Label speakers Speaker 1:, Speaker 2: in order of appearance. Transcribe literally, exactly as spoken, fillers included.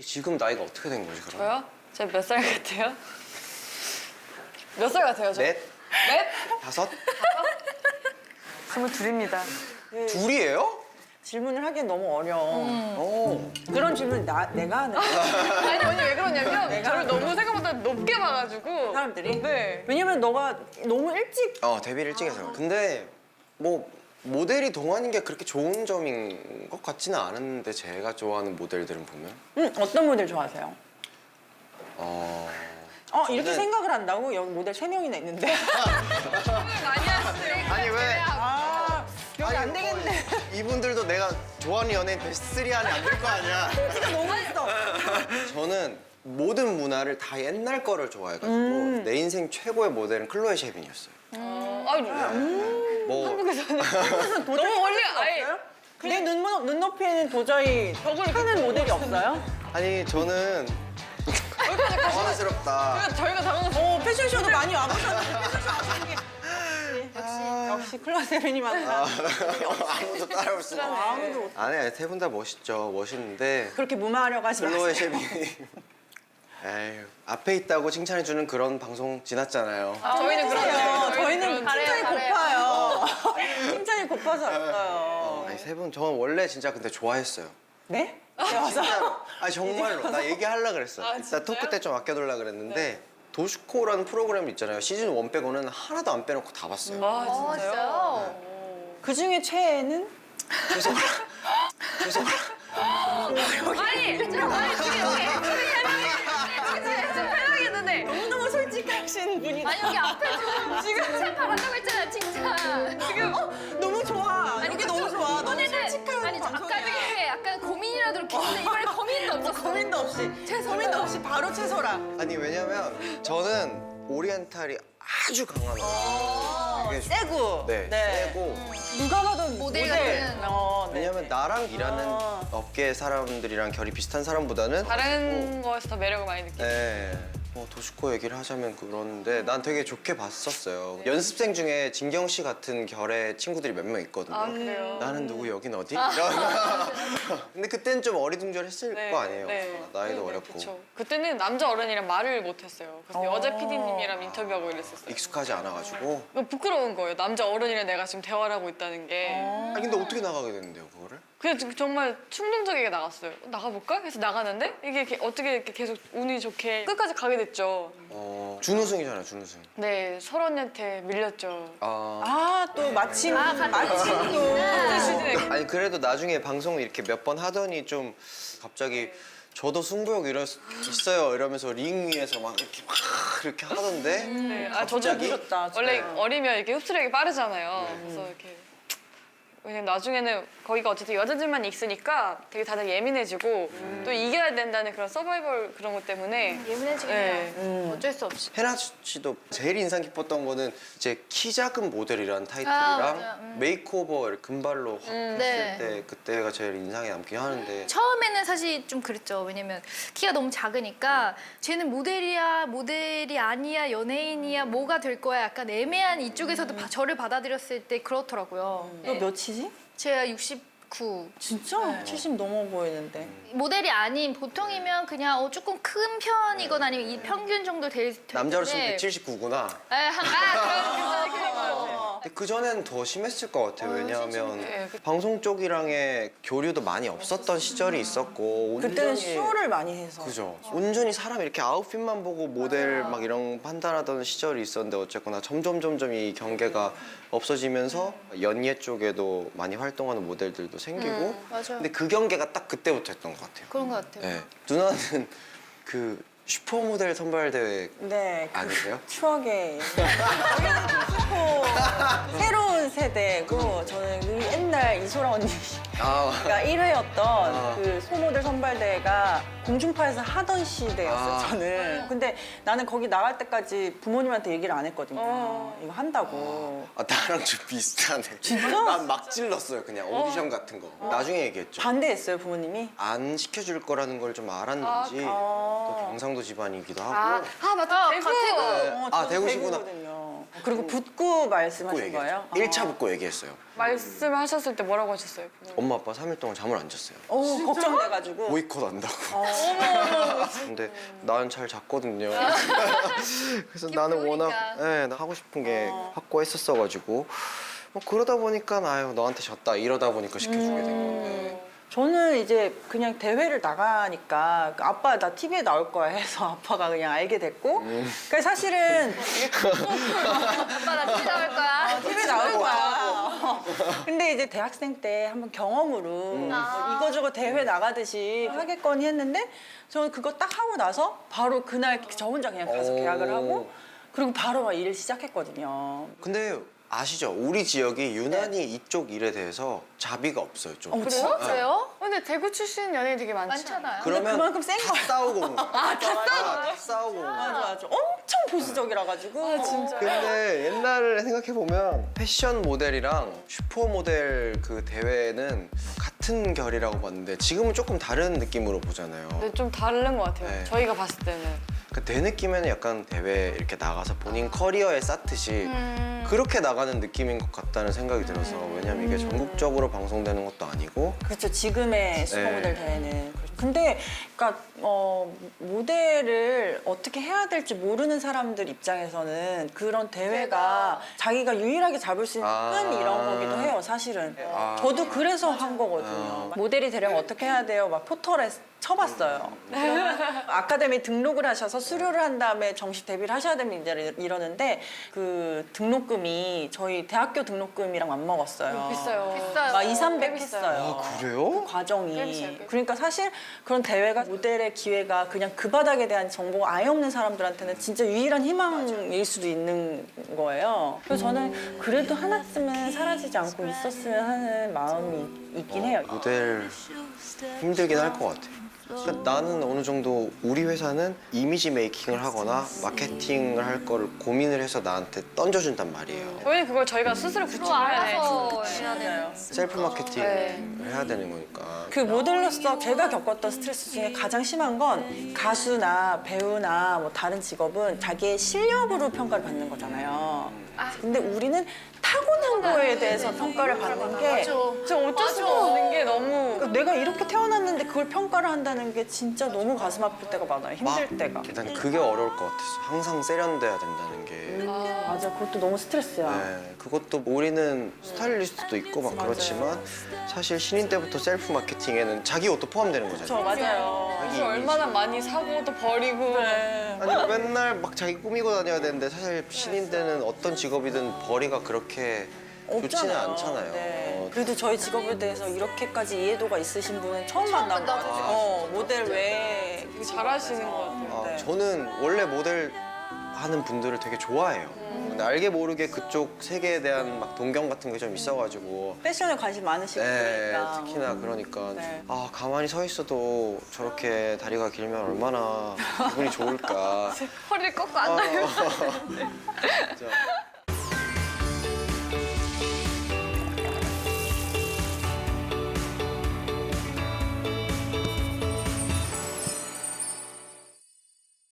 Speaker 1: 지금 나이가 어떻게 된 거지 그럼?
Speaker 2: 저요? 제가 몇 살 같아요? 몇 살 같아요, 저?
Speaker 1: 넷?
Speaker 2: 넷?
Speaker 1: 다섯?
Speaker 2: 스물둘입니다.
Speaker 1: 둘이에요?
Speaker 3: 질문을 하기엔 너무 어려워.
Speaker 1: 오.
Speaker 3: 그런 질문 나 내가 하는 거야.
Speaker 2: 아니, 언니 왜 그러냐면
Speaker 3: 내가
Speaker 2: 저를 너무 생각보다 높게 봐가지고.
Speaker 3: 사람들이.
Speaker 2: 네.
Speaker 3: 왜냐면 너가 너무 일찍
Speaker 1: 어 데뷔를 일찍 해서. 근데 뭐 모델이 동안인 게 그렇게 좋은 점인 것 같지는 않은데 제가 좋아하는 모델들은 보면
Speaker 3: 응, 어떤 모델 좋아하세요?
Speaker 1: 어.
Speaker 3: 어 이렇게
Speaker 1: 저는-
Speaker 3: 생각을 한다고? 여기 모델 세 명이나 있는데.
Speaker 2: 많이 하시네요.
Speaker 1: 아니 왜?
Speaker 3: 아 여기 안
Speaker 1: 아니,
Speaker 3: 되겠네.
Speaker 1: 뭐, 이분들도 내가 좋아하는 연예인 베스트 쓰리 안에 안 들 거 아니야.
Speaker 3: 진짜 너무 있어.
Speaker 1: 저는 모든 문화를 다 옛날 거를 좋아해가지고
Speaker 3: 음.
Speaker 1: 내 인생 최고의 모델은 클로에 셰빈이었어요.
Speaker 2: 어, 아니,
Speaker 1: 뭐
Speaker 2: 한국에서는.
Speaker 3: 도저히
Speaker 2: 너무 원래
Speaker 3: 수가
Speaker 2: 아예.
Speaker 3: 없어요? 내 눈, 눈높이에는 도저히 하는 모델이 없어요?
Speaker 1: 아니 저는 당황스럽다.
Speaker 2: 저희가 당황해서.
Speaker 3: 어 패션쇼도 많이 와보셨는데 패션쇼 아시는 게 역시 역시 클라 세빈이만
Speaker 1: 아무도 따라올 수가 없어.
Speaker 3: 아무도 못-
Speaker 1: 아니 세 분 다 멋있죠. 멋있는데
Speaker 3: 그렇게 무마하려고 하지 마세요.
Speaker 1: 클로에 셰빈이 에휴 앞에 있다고 칭찬해주는 그런 방송 지났잖아요.
Speaker 2: 아, 저희는 그러세요.
Speaker 3: 저희는 저희는 칭찬이
Speaker 2: 잘해요, 잘해요.
Speaker 3: 고파요. 칭찬이 고파서 왔어요.
Speaker 1: 어, 아니 세 분 저는 원래 진짜 근데 좋아했어요.
Speaker 3: 네? 와서
Speaker 1: 진짜로. 아니 정말로 나 얘기하려고 그랬어.
Speaker 2: 아,
Speaker 1: 이따
Speaker 2: 진짜요?
Speaker 1: 토크 때 좀 아껴둘라 그랬는데 도슈코라는 프로그램 있잖아요. 시즌 일 빼고는 하나도 안 빼놓고 다 봤어요.
Speaker 2: 아,
Speaker 4: 어,
Speaker 2: 진짜요?
Speaker 4: 진짜요?
Speaker 3: 그 중에 최애는
Speaker 1: 죄송해요. 죄송해요.
Speaker 2: 아니, 좀, 아니, 지금 여기 지금 좀 편하겠는데.
Speaker 3: 너무너무 솔직하신 분이다.
Speaker 4: 아니 여기 앞에 좀 지금 칭찬 바란다고 했잖아요 칭찬.
Speaker 3: 지금 어, 너무 좋아. 여기 너무 좋아. 너무
Speaker 4: 이번에는
Speaker 3: 솔직한
Speaker 4: 아니 저 아까
Speaker 3: 방송이야.
Speaker 4: 되게 약간 고민이라도 했는데 이번에 고민도 없었어.
Speaker 3: 고민도 없이 고민도 없이 바로 채소라.
Speaker 1: 아니 왜냐면 저는 오리엔탈이 아주 강한 이게
Speaker 3: 세고.
Speaker 1: 네, 세고
Speaker 3: 누가 봐도
Speaker 4: 모델
Speaker 3: 모델.
Speaker 4: 같은.
Speaker 3: 어, 네.
Speaker 1: 왜냐면 나랑 일하는
Speaker 3: 아.
Speaker 1: 업계 사람들이랑 결이 비슷한 사람보다는
Speaker 2: 다른 거에서 더 매력을 많이 느끼.
Speaker 1: 네. 뭐 도슈코 얘기를 하자면 그러는데 난 되게 좋게 봤었어요. 연습생 중에 진경 씨 같은 결의 친구들이 몇 명 있거든요.
Speaker 2: 아, 그래요?
Speaker 1: 나는 누구 여긴 어디? 이런. 근데 그때는 좀 어리둥절했을
Speaker 2: 네,
Speaker 1: 거 아니에요.
Speaker 2: 네.
Speaker 1: 나이도
Speaker 2: 네,
Speaker 1: 어렸고
Speaker 2: 그쵸. 그때는 남자 어른이랑 말을 못했어요. 그래서
Speaker 3: 어.
Speaker 2: 여자 피디님이랑 인터뷰하고 이랬었어요.
Speaker 1: 익숙하지 않아가지고.
Speaker 2: 이거 부끄러운 거예요. 남자 어른이랑 내가 지금 대화를 하고 있다는 게.
Speaker 1: 아니 근데 어떻게 나가게 됐는데요 그거를?
Speaker 2: 그냥 좀- 정말 충동적이게 나갔어요. 어, 나가볼까? 해서 나가는데 이게 이렇게 어떻게 이렇게 계속 운이 좋게 끝까지 가게 됐죠.
Speaker 1: 어 준우승이잖아요 준우승.
Speaker 2: 네, 설언니한테 밀렸죠.
Speaker 1: 아.
Speaker 3: 아, 또 마침
Speaker 4: 아, 같은
Speaker 3: 마침 또
Speaker 4: 시즌이구나.
Speaker 1: 아니 그래도 나중에 방송을 이렇게 몇 번 하더니 좀 갑자기 저도 승부욕 이럴 수 있어요 이러면서 링 위에서 막 이렇게 막 이렇게 하던데
Speaker 2: 네, 아 저도
Speaker 1: 갑자기?
Speaker 3: 그렇다.
Speaker 2: 원래
Speaker 3: 진짜.
Speaker 2: 어리면 이렇게 흡수력이 빠르잖아요. 그래서 이렇게 왜냐면 나중에는 거기가 어쨌든 여자들만 있으니까 되게 다들 예민해지고 또 이겨야 된다는 그런 서바이벌 그런 것 때문에
Speaker 4: 예민해지긴
Speaker 2: 네.
Speaker 4: 해요. 어쩔 수 없이.
Speaker 1: 헤나 씨도 제일 인상 깊었던 거는 이제 키 작은 모델이라는
Speaker 4: 아,
Speaker 1: 타이틀이랑
Speaker 4: 맞아요. 음.
Speaker 1: 메이크오버 이렇게 금발로 확 했을
Speaker 4: 네.
Speaker 1: 때 그때가 제일 인상에 남긴 하는데
Speaker 4: 처음에는 사실 좀 그랬죠. 왜냐면 키가 너무 작으니까 쟤는 모델이야, 모델이 아니야, 연예인이야, 뭐가 될 거야. 약간 애매한 이쪽에서도 바- 저를 받아들였을 때 그렇더라고요.
Speaker 3: 너
Speaker 4: 네.
Speaker 3: 몇이지?
Speaker 4: 제가 육십구.
Speaker 3: 진짜? 칠십 넘어 보이는데.
Speaker 4: 모델이 아닌 보통이면 그냥 어, 조금 큰 편이거나 아니면 이 평균 정도 될 텐데.
Speaker 1: 남자로서는 백칠십구구나.
Speaker 4: 에, 한, 아, 그런, 그런, 그런 것 같아요.
Speaker 1: 근데 그 전에는 더 심했을 것 같아요. 왜냐하면
Speaker 2: 예, 그-
Speaker 1: 방송 쪽이랑의 교류도 많이 없었던 시절이 있었고
Speaker 3: 그때는
Speaker 1: 온전히-
Speaker 3: 쇼를 많이 해서.
Speaker 1: 그죠. 온전히 사람 이렇게 아웃핏만 보고 모델 막 이런 판단하던 시절이 있었는데 어쨌거나 점점 점점 이 경계가 없어지면서 연예 쪽에도 많이 활동하는 모델들도 생기고
Speaker 4: 맞아요.
Speaker 1: 근데 그 경계가 딱 그때부터 했던 것 같아요.
Speaker 4: 그런 것 같아요.
Speaker 1: 네. 누나는 그 슈퍼모델 선발 대회
Speaker 3: 네. 그
Speaker 1: 아니세요?
Speaker 3: 추억의 저희는 슈퍼 새로운 세대고 저는 그 옛날 이소라 언니가
Speaker 1: 아,
Speaker 3: 일 회였던
Speaker 1: 아.
Speaker 3: 그 소모델 선발대회가 공중파에서 하던 시대였어요.
Speaker 1: 아.
Speaker 3: 저는. 근데 나는 거기 나갈 때까지 부모님한테 얘기를 안 했거든요.
Speaker 2: 어.
Speaker 3: 이거 한다고.
Speaker 1: 아 나랑 좀 비슷하네.
Speaker 3: 진짜?
Speaker 1: 난 막 찔렀어요 그냥 오디션 같은 거. 나중에 얘기했죠.
Speaker 3: 반대했어요 부모님이.
Speaker 1: 안 시켜줄 거라는 걸 좀 알았는지
Speaker 3: 아.
Speaker 1: 또 경상도 집안이기도
Speaker 2: 아,
Speaker 1: 하고
Speaker 2: 아 맞다.
Speaker 4: 어,
Speaker 2: 대구.
Speaker 4: 가- 대구.
Speaker 3: 어,
Speaker 1: 아,
Speaker 3: 저도
Speaker 1: 대구시구나.
Speaker 3: 대구거든요. 그리고 붙고 말씀하신
Speaker 1: 얘기했죠.
Speaker 3: 거예요?
Speaker 1: 일 차 붙고 얘기했어요.
Speaker 2: 말씀하셨을 때 뭐라고 하셨어요?
Speaker 1: 엄마 아빠 삼 일 동안 잠을 안 잤어요.
Speaker 3: 어, 걱정돼가지고.
Speaker 1: 보이콧 한다고. 근데 난 잘 잤거든요. 그래서 나는 워낙
Speaker 4: 기쁘니까.
Speaker 1: 네, 나 하고 싶은 게 확고했었어가지고 뭐 그러다 보니까 아유 너한테 졌다 이러다 보니까 시켜주게 된 건데.
Speaker 3: 저는 이제 그냥 대회를 나가니까 아빠 나 티비에 나올 거야 해서 아빠가 그냥 알게 됐고 그러니까 사실은
Speaker 4: 아빠 나 티비 나올 거야.
Speaker 3: 티비에 나올 거야. 근데 이제 대학생 때 한번 경험으로 뭐 이거저거 대회 나가듯이 하겠거니 했는데 저는 그거 딱 하고 나서 바로 그날 저 혼자 그냥 가서
Speaker 1: 오.
Speaker 3: 계약을 하고 그리고 바로 막 일을 시작했거든요.
Speaker 1: 근데 아시죠? 우리 지역이 유난히 이쪽 일에 대해서 자비가 없어요. 좀.
Speaker 3: 어,
Speaker 4: 그래요? 그래요?
Speaker 2: 근데 대구 출신 연예인 되게 많지
Speaker 4: 많잖아요.
Speaker 1: 그러면
Speaker 3: 그만큼 센
Speaker 1: 다
Speaker 3: 거야.
Speaker 1: 싸우고 온 거야. 아, 다 싸우고 다 싸우고 온
Speaker 3: 맞아
Speaker 1: 거야.
Speaker 3: 맞아. 엄청 보수적이라 가지고.
Speaker 2: 아, 진짜.
Speaker 1: 근데 옛날을 생각해 보면 패션 모델이랑 슈퍼 모델 그 대회는 같은 결이라고 봤는데 지금은 조금 다른 느낌으로 보잖아요.
Speaker 2: 근데 좀 다른 것 같아요.
Speaker 1: 네.
Speaker 2: 저희가 봤을 때는.
Speaker 1: 그 내 느낌에는 약간 대회 이렇게 나가서 본인 커리어에 쌓듯이
Speaker 2: 음.
Speaker 1: 그렇게 나가는 느낌인 것 같다는 생각이 들어서 왜냐면 이게 전국적으로 방송되는 것도 아니고
Speaker 3: 그렇죠. 지금의 슈퍼모델
Speaker 1: 네.
Speaker 3: 대회는. 그렇죠. 근데 그러니까 어, 모델을 어떻게 해야 될지 모르는 사람들 입장에서는 그런 대회가 자기가 유일하게 잡을 수 있는
Speaker 1: 아.
Speaker 3: 끈 이런 거기도 해요. 사실은.
Speaker 1: 아.
Speaker 3: 저도 그래서 한 거거든요.
Speaker 1: 아.
Speaker 3: 모델이 되려면 어떻게 해야 돼요? 막 포털에 쳐봤어요. 아카데미 등록을 하셔서 수료를 한 다음에 정식 데뷔를 하셔야 됩니다. 이러는데 그 등록금이 저희 대학교 등록금이랑 맞먹었어요.
Speaker 2: 비싸요.
Speaker 4: 비싸요.
Speaker 3: 막 이, 삼백
Speaker 2: 꽤 비싸요.
Speaker 3: 했어요.
Speaker 1: 아 그래요?
Speaker 3: 과정이.
Speaker 2: 꽤 비싸요, 꽤
Speaker 3: 그러니까 사실 그런 대회가 모델의 기회가 그냥 그 바닥에 대한 정보가 아예 없는 사람들한테는 진짜 유일한 희망일 수도 있는 거예요. 그래서 저는 그래도 하나쯤은 사라지지 않고 있었으면 하는 마음이 있긴 해요.
Speaker 1: 모델 힘들긴 할 것 같아. 그러니까 나는 어느 정도 우리 회사는 이미지 메이킹을 하거나 마케팅을 할 거를 고민을 해서 나한테 던져준단 말이에요.
Speaker 2: 저희는 그걸 저희가 스스로
Speaker 4: 또
Speaker 2: 구축해야
Speaker 4: 알아서
Speaker 2: 돼.
Speaker 4: 해야 되는.
Speaker 1: 셀프 마케팅을
Speaker 2: 네.
Speaker 1: 해야 되는 거니까.
Speaker 3: 그 모델로서 제가 겪었던 스트레스 중에 가장 심한 건 가수나 배우나 뭐 다른 직업은 자기의 실력으로 평가를 받는 거잖아요. 근데 우리는 타고난 거에 대해서 평가를 받는 게
Speaker 2: 진짜 어쩔 수가 없는 게 너무
Speaker 3: 그러니까 내가 이렇게 태어났는데 그걸 평가를 한다는 게 진짜 너무 가슴 아플 때가 많아요. 힘들
Speaker 1: 막
Speaker 3: 때가.
Speaker 1: 일단 그게 어려울 것 같았어. 항상 세련돼야 된다는 게.
Speaker 3: 맞아, 그것도 너무 스트레스야.
Speaker 1: 네, 그것도 우리는 스타일리스트도 있고 막 그렇지만 사실 신인 때부터 셀프 마케팅에는 자기 옷도 포함되는
Speaker 3: 저
Speaker 1: 거잖아요.
Speaker 3: 맞아요.
Speaker 2: 그래서 얼마나 많이 사고 또 버리고
Speaker 3: 네.
Speaker 1: 아니 맨날 막 자기 꾸미고 다녀야 되는데 사실 신인 때는 어떤 직업이든 벌이가 그렇게 좋지는
Speaker 3: 없잖아요.
Speaker 1: 않잖아요.
Speaker 3: 네.
Speaker 1: 어,
Speaker 3: 그래도 저희 직업에 대해서 이렇게까지 이해도가 있으신 분은 처음 만난 것 같아요. 어, 모델 외에
Speaker 2: 되게 잘하시는 것 같아요.
Speaker 1: 아,
Speaker 3: 네.
Speaker 1: 저는 원래 모델 하는 분들을 되게 좋아해요. 근데 알게 모르게 그쪽 세계에 대한 막 동경 같은 게 좀 있어가지고
Speaker 3: 패션에 관심 많으시고
Speaker 1: 네,
Speaker 3: 그러니까.
Speaker 1: 특히나 그러니까
Speaker 3: 네.
Speaker 1: 아 가만히 서 있어도 저렇게 다리가 길면 얼마나 기분이 좋을까.
Speaker 2: 허리를 꺾고
Speaker 1: 어,
Speaker 2: 앉아요.
Speaker 1: 진짜.